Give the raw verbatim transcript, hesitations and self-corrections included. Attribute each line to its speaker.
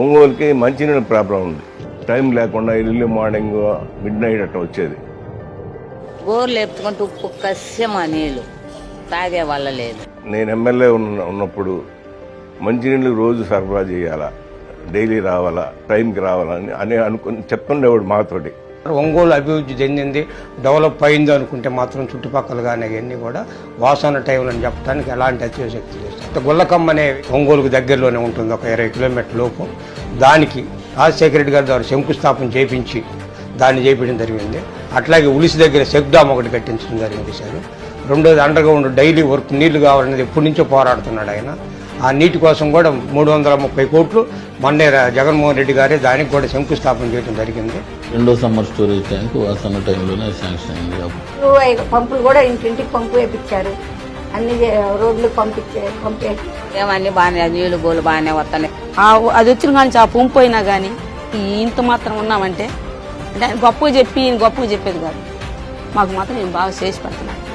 Speaker 1: ఒంగోలుకి మంచినీళ్ళ ప్రాబ్లం ఉంది. టైం లేకుండా ఎర్లీ మార్నింగ్ మిడ్ నైట్ అట్లా వచ్చేది.
Speaker 2: గోర్లు ఎత్తుకుంటూ ఉప్పు కస్యమా నీళ్ళు తాగే వల్ల లేదు.
Speaker 1: నేను ఎమ్మెల్యే ఉన్న ఉన్నప్పుడు మంచినీళ్ళు రోజు సరఫరా చేయాలా, డైలీ రావాలా, టైంకి రావాలని అని అనుకుని చెప్తుండేవాడు మాతోటి.
Speaker 3: ఒంగోలు అభివృద్ధి చెందింది, డెవలప్ అయింది అనుకుంటే మాత్రం చుట్టుపక్కల కానీ అవన్నీ కూడా వాసన టైంలో అని చెప్పడానికి ఎలాంటి అతిశక్తి లేదు. గుల్లకమ్మ అనే ఒంగోలుకు దగ్గరలోనే ఉంటుంది, ఒక ఇరవై కిలోమీటర్ లోపు. దానికి రాజశేఖర రెడ్డి గారి ద్వారా శంకుస్థాపన చేయించి దాన్ని చేయించడం జరిగింది. అట్లాగే ఉలిసి దగ్గర చెక్ డామ్ ఒకటి కట్టించడం జరిగింది సార్. రెండోది అండర్ గ్రౌండ్ డైలీ వర్క్ నీళ్లు కావాలనేది ఎప్పటి నుంచో పోరాడుతున్నాడు ఆయన. ఆ నీటి కోసం కూడా మూడు వందల ముప్పై కోట్లు మొన్నే జగన్మోహన్ రెడ్డి గారే దానికి కూడా శంకుస్థాపన చేయడం జరిగింది.
Speaker 4: రెండో సమ్మర్ స్టోరేజ్ ట్యాంక్ వాసన టైంలోనే శాంక్షన్ అయింది.
Speaker 5: పంపులు కూడా ఇంటింటికి పంపు వేయించారు, అన్ని రోడ్లు పంపించే పంపే
Speaker 2: ఏమన్నీ బాగానే నీళ్లు గోలు బాగానే వస్తాయి.
Speaker 6: అది వచ్చిన కానీ ఆ పంపు అయినా కానీ ఇంత మాత్రం ఉన్నామంటే అంటే ఆయన గొప్పగా చెప్పి ఈయన గొప్పగా చెప్పేది కాదు, మాకు మాత్రం నేను బాగా చేసి పెడుతున్నాను.